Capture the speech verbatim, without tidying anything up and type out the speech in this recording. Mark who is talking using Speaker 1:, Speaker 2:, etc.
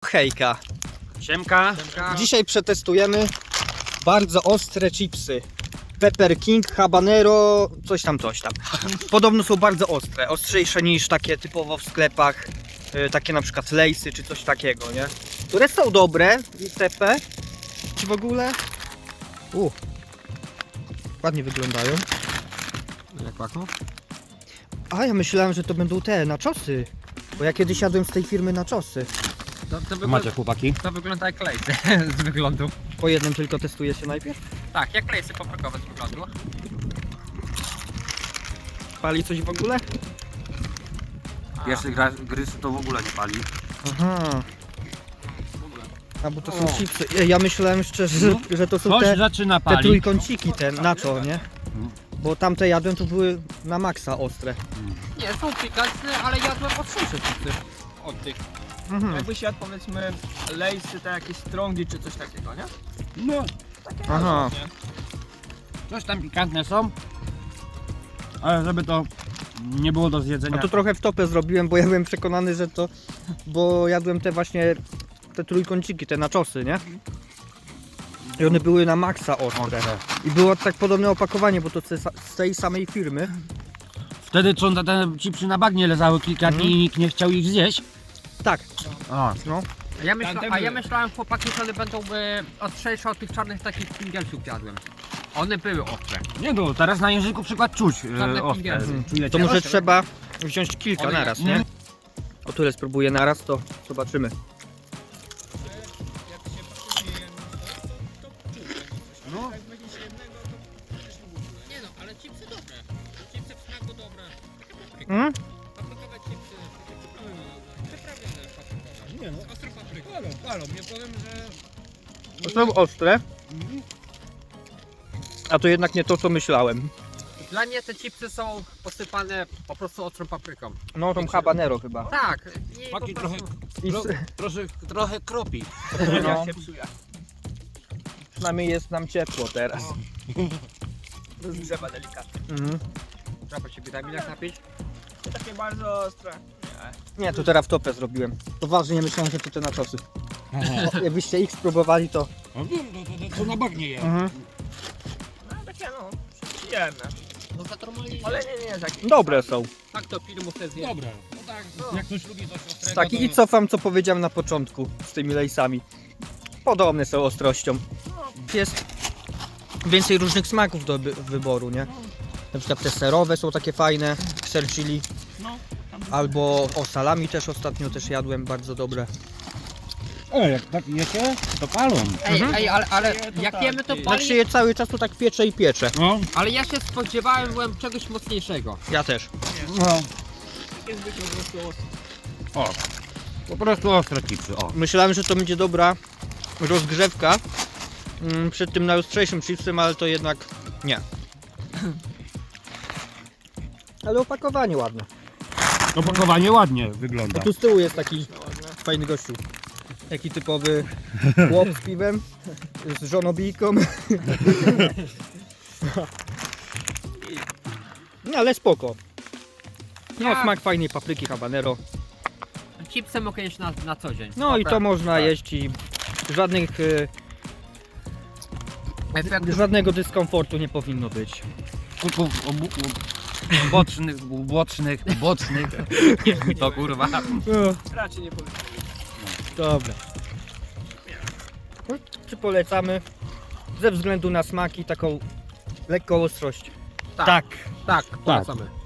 Speaker 1: Hejka.
Speaker 2: Siemka.
Speaker 1: Dzisiaj przetestujemy bardzo ostre chipsy. Pepper King, habanero, coś tam, coś tam. Podobno są bardzo ostre, ostrzejsze niż takie typowo w sklepach, yy, takie na przykład Lay'sy czy coś takiego, nie? Które są dobre, itp. Czy w ogóle? U, ładnie wyglądają.
Speaker 2: Jak pachną?
Speaker 1: A ja myślałem, że to będą te naczosy. Bo ja kiedyś jadłem z tej firmy naczosy.
Speaker 3: To, to, wygl-
Speaker 2: Macie chłopaki?
Speaker 3: to wygląda jak lejsy z wyglądu.
Speaker 1: Po jednym tylko testuje się najpierw.
Speaker 3: Tak, jak lejsy paprykowe z wyglądu.
Speaker 1: Pali coś w ogóle?
Speaker 2: Pierwszy gra, gryz to w ogóle nie pali.
Speaker 1: Aha.
Speaker 3: W ogóle.
Speaker 1: A bo to są chipsy. Ja- Ja myślałem szczerze, że, że to są
Speaker 2: Coś
Speaker 1: te,
Speaker 2: zaczyna
Speaker 1: te
Speaker 2: palić.
Speaker 1: trójkąciki, te nacho, nie? Bo tamte jadłem, to były na maksa ostre.
Speaker 3: Nie, są pikantne, ale jadłem ostrzejsze chipsy od tych.
Speaker 1: Mhm.
Speaker 4: Jakbyś jadł powiedzmy lejsy, te jakieś strongi czy coś takiego, nie?
Speaker 2: No,
Speaker 1: Aha.
Speaker 4: Nie?
Speaker 2: coś tam pikantne są. Ale żeby to nie było do zjedzenia.
Speaker 1: A to trochę w topę zrobiłem, bo ja byłem przekonany, że to... Bo jadłem te właśnie, te trójkąciki, te naczosy, nie? I one były na maksa ostre. I było tak podobne opakowanie, bo to z tej samej firmy.
Speaker 2: Wtedy co te, te chipsy na bagnie leżały kilka dni i nikt nie chciał ich zjeść.
Speaker 1: Tak,
Speaker 2: O,
Speaker 1: no.
Speaker 3: A ja, myśla,
Speaker 2: Tamte
Speaker 3: a ja
Speaker 2: były.
Speaker 3: myślałem, chłopaki, że one będą e, ostrzejsze od tych czarnych takich pingielsów jadłem. One były ostre.
Speaker 2: nie no, teraz na języku przykład czuć
Speaker 3: Czarne
Speaker 2: e, ostre.
Speaker 3: pingielsy.
Speaker 2: Czujecie?
Speaker 1: To może trzeba wziąć kilka
Speaker 3: One-
Speaker 1: naraz, nie? O tyle spróbuję naraz, to zobaczymy.
Speaker 2: No.
Speaker 3: Nie no, ale chipsy dobre. Chipsy w smaku dobre.
Speaker 1: Mm?
Speaker 3: Paprykowe chipsy. Przyprawione paprykowe.
Speaker 2: Nie no,
Speaker 3: Z ostrą papryką.
Speaker 2: palą, palą. Nie powiem, że...
Speaker 1: To są ostre. A to jednak nie to, co myślałem.
Speaker 3: Dla mnie te chipsy są posypane po prostu ostrą papryką.
Speaker 1: No, tą habanero chyba.
Speaker 3: Tak. I po
Speaker 2: Taki
Speaker 3: prostu...
Speaker 2: trochę,
Speaker 1: I
Speaker 2: tro,
Speaker 1: s-
Speaker 2: trochę, trochę kropi.
Speaker 1: no,
Speaker 4: się psuje.
Speaker 1: przynajmniej jest nam ciepło teraz.
Speaker 4: Rozgrzewa delikatnie.
Speaker 1: Mhm.
Speaker 3: Trzeba się witaminach napić.
Speaker 4: To takie bardzo ostre. Nie.
Speaker 1: Nie, to teraz w topę zrobiłem. Poważnie myślałem, że to te naczosy. O, jakbyście ich spróbowali, to...
Speaker 2: No wiem, to, to, to, to na bagnie je.
Speaker 1: Mhm.
Speaker 4: No takie no, przyjemne.
Speaker 3: No to normalnie.
Speaker 4: Ale nie, nie, takie.
Speaker 1: Dobre są.
Speaker 3: Tak to filmu sobie zje.
Speaker 2: Dobra, no tak, jak ktoś lubi coś ostrego,
Speaker 1: Tak,
Speaker 2: to...
Speaker 1: i cofam, co powiedziałem na początku z tymi lejsami. Podobne są ostrością. Jest więcej różnych smaków do wy- wyboru, nie? Na przykład te serowe są takie fajne, ser chili. Albo o salami też ostatnio też jadłem, bardzo dobre.
Speaker 2: E, jak tak jecie, to palą.
Speaker 3: Ej, ej, ale, ale
Speaker 4: to
Speaker 3: jak
Speaker 4: tak,
Speaker 3: jemy to
Speaker 4: ty.
Speaker 1: Jak się
Speaker 3: pali.
Speaker 1: je cały czas, to tak piecze i piecze.
Speaker 2: No,
Speaker 3: Ale ja się spodziewałem byłem czegoś mocniejszego.
Speaker 1: Ja też.
Speaker 2: no.
Speaker 4: Takie zwykle po prostu ostre.
Speaker 2: O, po prostu ostre chipsy, o.
Speaker 1: Myślałem, że to będzie dobra rozgrzewka mm, przed tym najostrzejszym chipsem, ale to jednak nie. Ale opakowanie ładne.
Speaker 2: Opakowanie ładnie
Speaker 1: A
Speaker 2: wygląda.
Speaker 1: tu z tyłu jest taki fajny gościu. Taki typowy chłop z piwem, z żonobijką. No ale spoko. No
Speaker 3: Ja-
Speaker 1: smak fajnej papryki habanero.
Speaker 3: Chipsy mogę jeść na, na co dzień.
Speaker 1: No i to
Speaker 3: Dobra.
Speaker 1: można
Speaker 3: tak.
Speaker 1: jeść i żadnych, y,
Speaker 3: Efektów.
Speaker 1: żadnego dyskomfortu nie powinno być.
Speaker 2: Kuków obu, u- bocznych, u- bocznych, bocznych. To kurwa.
Speaker 1: No,
Speaker 4: Raczej nie powiem.
Speaker 1: dobra. Czy polecamy? Ze względu na smaki taką lekką ostrość.
Speaker 3: Tak,
Speaker 1: Tak.
Speaker 3: tak, polecamy.